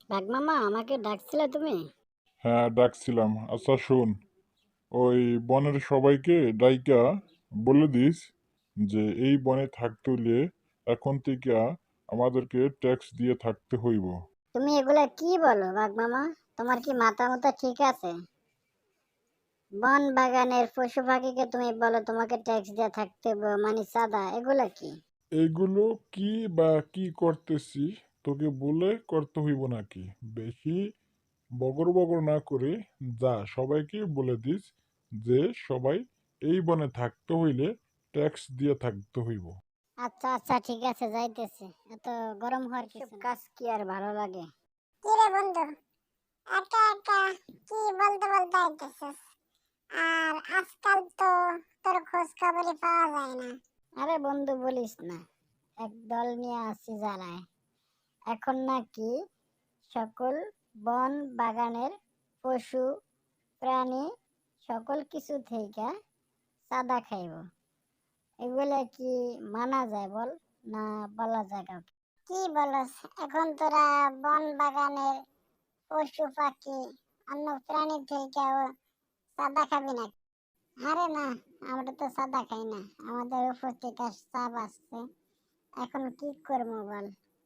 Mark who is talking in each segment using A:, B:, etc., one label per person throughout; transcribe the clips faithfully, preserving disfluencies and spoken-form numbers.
A: বাঘ মামা, আমাকে ডাকছিলে তুমি?
B: হ্যাঁ, ডাকছিলাম। আচ্ছা শোন, ওই বনের সবাইকে ডাইকা বলে দিস যে এই বনে থাকতে হলে এখন থেকে আমাদেরকে ট্যাক্স দিয়ে থাকতে হইব।
A: তুমি এগুলা কি বলো বাঘ মামা? তোমার কি মাথা মতো ঠিক আছে? বন বাগানের পশু পাখিকে তুমি বলো তোমাকে ট্যাক্স দিয়ে থাকতে হবে, মানে চাঁদা, এগুলা কি?
B: এগুলো কি বা কি করতেছি তোকে বলে করতে হইব নাকি? বেশি বগর বগর না করে যা সবাইকে বলে দিস যে সবাই এই বনে থাকতে হইলে ট্যাক্স দিয়ে থাকতে হইব।
A: আচ্ছা আচ্ছা, ঠিক আছে, যাইতেছে। এত গরম হওয়ার কিছু না। কাজ কি আর ভালো লাগে?
C: কি রে বন্ধু, একা একা কি বলতে বলতে আইতেছিস? আর আজকাল তো তোর খোঁজ খবরই পাওয়া যায় না।
A: আরে বন্ধু, বলিস না। এক দল নিয়ে আসি জ্বালায়। এখন নাকি সকল বন বাগানের পশু প্রাণী সকল কিছু থেকে চাঁদা খাইব। এগুলা কি মানা যায় বল? না বলা যায় কাউকে?
C: কি বলস, এখন তোরা বন বাগানের পশু পাখি অন্য প্রাণী থেকেও সাদা খাবি না? আরে না, আমরা তো সাদা খাই না, আমাদের উপর থেকে চাপ আসছে। এখন কি করবো বল,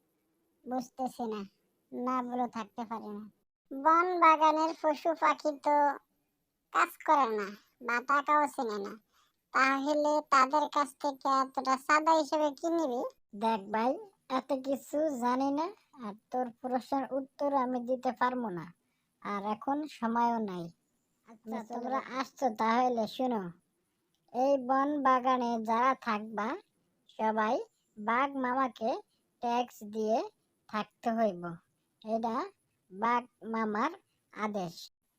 C: বুঝতেছি না, না বলে থাকতে পারি না। বন বাগানের পশু পাখি তো কাজ করে না বা টাকাও চেনে না, তাহলে তাদের কাছ থেকে এতটা সাদা হিসেবে কি নিবি?
A: দেখ ভাই, এত কিছু জানি না, আর তোর প্রশ্নের উত্তর আমি দিতে পারবো না, আর এখন সময়ও নাই। আচ্ছা, তোমরা আসছো তাহলে শুনো। এই বন বাগানে যারা থাকবা সবাই বাঘ মামাকে ট্যাক্স দিয়ে থাকতে হইব। এটা বাঘ মামার আদেশ।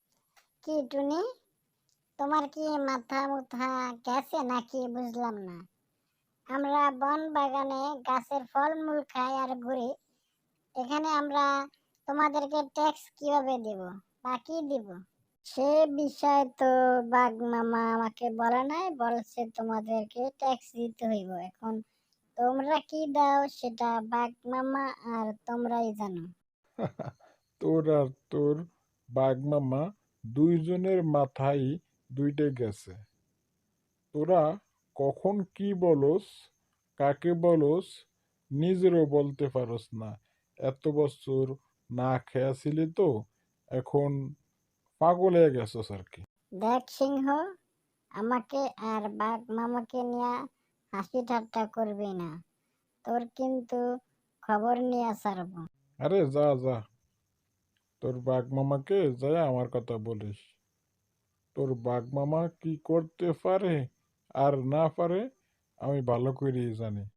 A: কি টুনি, তোমার কি মাথা মুথা গেছে নাকি? বুঝলাম না। আমরা বন বাগানে গাছের ফলমূল খাই আর ঘুরি, এখানে আমরা তোমাদেরকে ট্যাক্স কিভাবে দেব বা কি দিব? সে বিষয় তো বাঘ মামা আমাকে বলে নাই, বলছে তোমাদেরকে ট্যাক্স দিতে হইব। এখন তোমরা কি দাও সেটা বাঘ মামা আর তোমরাই জানো।
B: তোর আর তোর বাঘ মামা দুইজনের মাথায় দুইটা গেছে। তোরা কখন কি বলস, কাকে বলস, নিজেরও বলতে পারস না। এত বছর না খেয়াছিলি তো, এখন পাগল হয়ে গেছস আর কি।
A: দেখ সিংহ, আমাকে আর বাঘ মামাকে নিয়ে হাসি ঠাট্টা করবি না, তোর কিন্তু খবর নিয়ে ছাড়বো।
B: আরে যা যা, তোর বাঘ মামাকে যায় আমার কথা বলিস। তোর বাঘ মামা কি করতে পারে আর না পারে আমি ভালো করেই জানি।